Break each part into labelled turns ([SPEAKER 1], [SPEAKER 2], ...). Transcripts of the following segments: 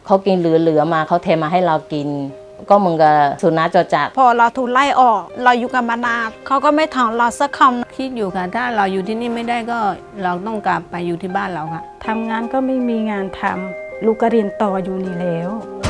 [SPEAKER 1] เขากินเหลือมาเขาเทมาให้เรากินก็มึงกับสุนัขจรจัด
[SPEAKER 2] พอเราถูกไล่ออกเราอยู่กับมานานเขาก็ไม่ถามเราสักคำ
[SPEAKER 3] คิดอยู่ค่ะถ้าเราอยู่ที่นี่ไม่ได้ก็เราต้องกลับไปอยู่ที่บ้านเราค่ะ
[SPEAKER 4] ทำงานก็ไม่มีงานทำลูกก็เรียนต่ออยู่นี่แล้ว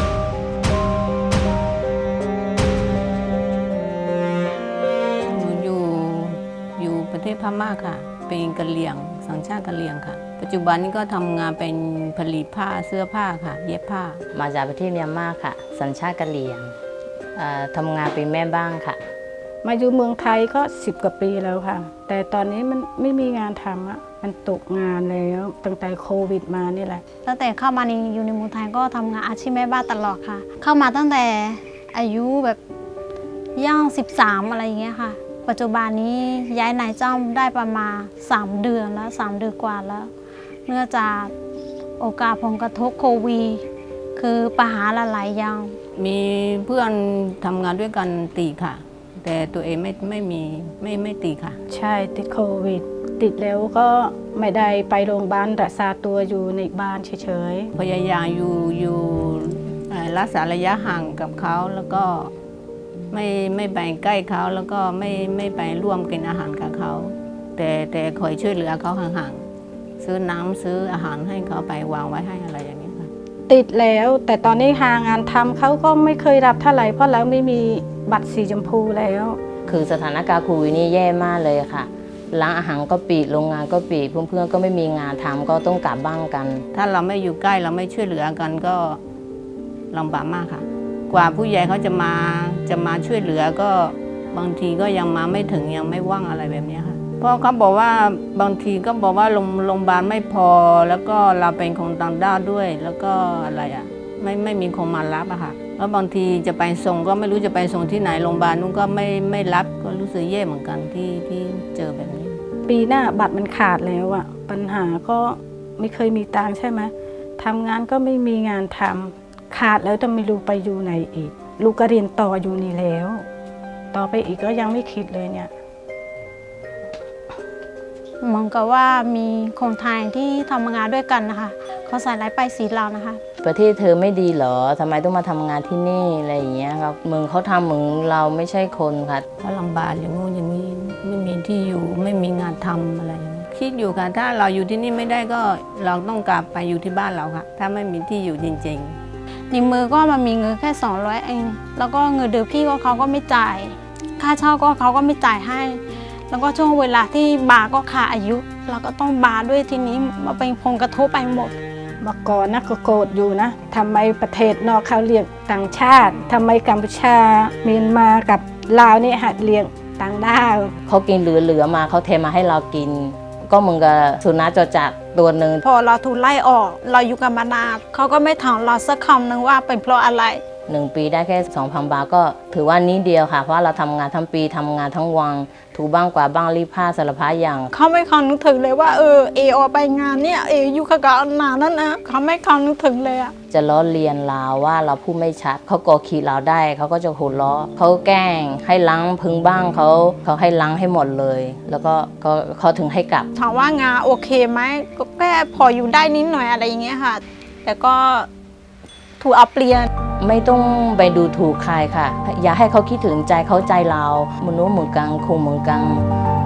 [SPEAKER 3] อยู่ประเทศพม่าค่ะเป็นกะเหรี่ยงสัญชาติกะเหรี่ยงค่ะปัจจุบันนี้ก็ทำงานเป็นผลิตผ้าเสื้อผ้าค่ะเย็บผ้า
[SPEAKER 1] มาจากประเทศเมียนมาค่ะสัญชาติกะเหรี่ยงทำงานเป็นแม่บ้านค่ะ
[SPEAKER 4] มาอยู่เมืองไทยก็10 กว่าปีแล้วค่ะแต่ตอนนี้มันไม่มีงานทำอะมันตกงานแล้วตั้งแต่โควิดมานี่แหละ
[SPEAKER 2] ตั้งแต่เข้ามาอยู่ในเมืองไทยก็ทำงานอาชีพแม่บ้านตลอดค่ะเข้ามาตั้งแต่อายุแบบย่าง13อะไรอย่างเงี้ยค่ะปัจจุบันนี้ย้ายนายจ้างได้ประมาณ3 เดือนแล้ว3 เดือนกว่าแล้วเนื่องจากโอกาสผลกระทบโควิดคือปัญหาหลายอย่าง
[SPEAKER 3] มีเพื่อนทำงานด้วยกันตีค่ะแต่ตัวเองไม่ตีค่ะ
[SPEAKER 4] ใช่ติดโควิดติดแล้วก็ไม่ได้ไปโรงพยาบาลรักษาตัวอยู่ในบ้านเฉย
[SPEAKER 3] ๆพยายามอยู่รักษาระยะห่างกับเขาแล้วก็ไม่ไปใกล้เขาแล้วก็ไม่ไปร่วมกินอาหารกับเขาแต่คอยช่วยเหลือเขาห่างๆซื้อน้ำซื้ออาหารให้เขาไปวางไว้ให้อะไรอย่างนี้ค่ะ
[SPEAKER 4] ติดแล้วแต่ตอนนี้หางานทำเขาก็ไม่เคยรับเท่าไหร่เพราะเราไม่มีบัตรสีชมพูแล้ว
[SPEAKER 1] คือสถานการณ์โควิดนี่แย่มากเลยค่ะร้านอาหารก็ปิดโรงงานก็ปิดเพื่อนๆก็ไม่มีงานทำก็ต้องกลับบ้านกัน
[SPEAKER 3] ถ้าเราไม่อยู่ใกล้เราไม่ช่วยเหลือกันก็ลำบากมากค่ะกว่าผู้ใหญ่เขาจะมาช่วยเหลือก็บางทีก็ยังมาไม่ถึงยังไม่ว่างอะไรแบบนี้ค่ะเพราะเขาบอกว่าบางทีก็บอกว่าโรงพยาบาลไม่พอแล้วก็เราเป็นคนต่างด้าวด้วยแล้วก็อะไรไม่มีคนมารับอะค่ะแล้วบางทีจะไปส่งก็ไม่รู้จะไปส่งที่ไหนโรงพยาบาลนู้นก็ไม่รับก็รู้สึกแย่เหมือนกันที่เจอแบบนี้
[SPEAKER 4] ปีหน้าบัตรมันขาดแล้วอะปัญหาก็ไม่เคยมีตังค์ใช่ไหมทำงานก็ไม่มีงานทำขาดแล้วจะไม่รู้ไปอยู่ไหนอีกลูกก็เรียนต่ออยู่นี่แล้วต่อไปอีกก็ยังไม่คิดเลยเนี่ย
[SPEAKER 2] เหมือนกับว่ามีคนไทยที่ทำงานด้วยกันนะคะเขาใส่ร้ายป้ายสีเรานะคะ
[SPEAKER 1] ประเทศเธอไม่ดีเหรอทำไมต้องมาทำงานที่นี่อะไรอย่างเงี้ยครับมึงเขาทำมึงเราไม่ใช่คนค่ะ
[SPEAKER 3] ก็ลำบากอย่างงู้นอย่างนี้ไม่มีที่อยู่ไม่มีงานทำอะไรอย่างนี้คิดอยู่ค่ะถ้าเราอยู่ที่นี่ไม่ได้ก็เราต้องกลับไปอยู่ที่บ้านเราค่ะถ้าไม่มีที่อยู่จริง
[SPEAKER 2] ๆในมือก็มันมีเงินแค่200เองแล้วก็เงินเดือนพี่ก็เขาก็ไม่จ่ายค่าเช่าก็เขาก็ไม่จ่ายให้แล้วก็ช่วงเวลาที่บาก็ขาดอายุเราก็ต้องบาด้วยทีนี้มาเป็นผลกระทบไปหมด
[SPEAKER 4] เมื่อก่อนนะก็โกรธอยู่นะทำไมประเทศนอกเขาเรียกต่างชาติทำไมกัมพูชาเมียนมากับลาวนี่หัดเรียกต่างด้าว
[SPEAKER 1] เขากินเหลือมาเขาเทมาให้เรากินก็มึงกับสุนัขจรจัดตัวหนึ่ง
[SPEAKER 2] พอเราถูกไล่ออกเราอยู่กับมานานเขาก็ไม่ถามเราสักคำนึงว่าเป็นเพราะอะไร
[SPEAKER 1] 1 ปีได้แค่ 2,000 บาทก็ถือว่านี้เดียวค่ะเพราะเราทำงานทั้งปีทำงานทั้งวันถูบ้างกว่าบ้างรีดผ้าสารพัดอย่าง
[SPEAKER 2] เขาไม่คันนึกถึงเลยว่าเอไปงานเนี่ยอยู่กับนานนั่นนะเขาไม่คันนึกถึงเลยอะ
[SPEAKER 1] จะล้อเลียนเราว่าเราพูดไม่ชัดเขากอขีดเราได้เขาก็จะหัวเราะเขาแกล้งให้ล้างพึงบ้างเขาให้ล้างให้หมดเลยแล้วก็เขาถึงให้กลับ
[SPEAKER 2] ถามว่างานโอเคไหมก็แค่พออยู่ได้นิดหน่อยอะไรอย่างเงี้ยค่ะแต่ก็ถูกเอาเปลี่ยน
[SPEAKER 1] ไม่ต้องไปดูถูกใครค่ะอย่าให้เขาคิดถึงใจเขาใจเรามนุษย์เหมือนกันคงเหมือนกัน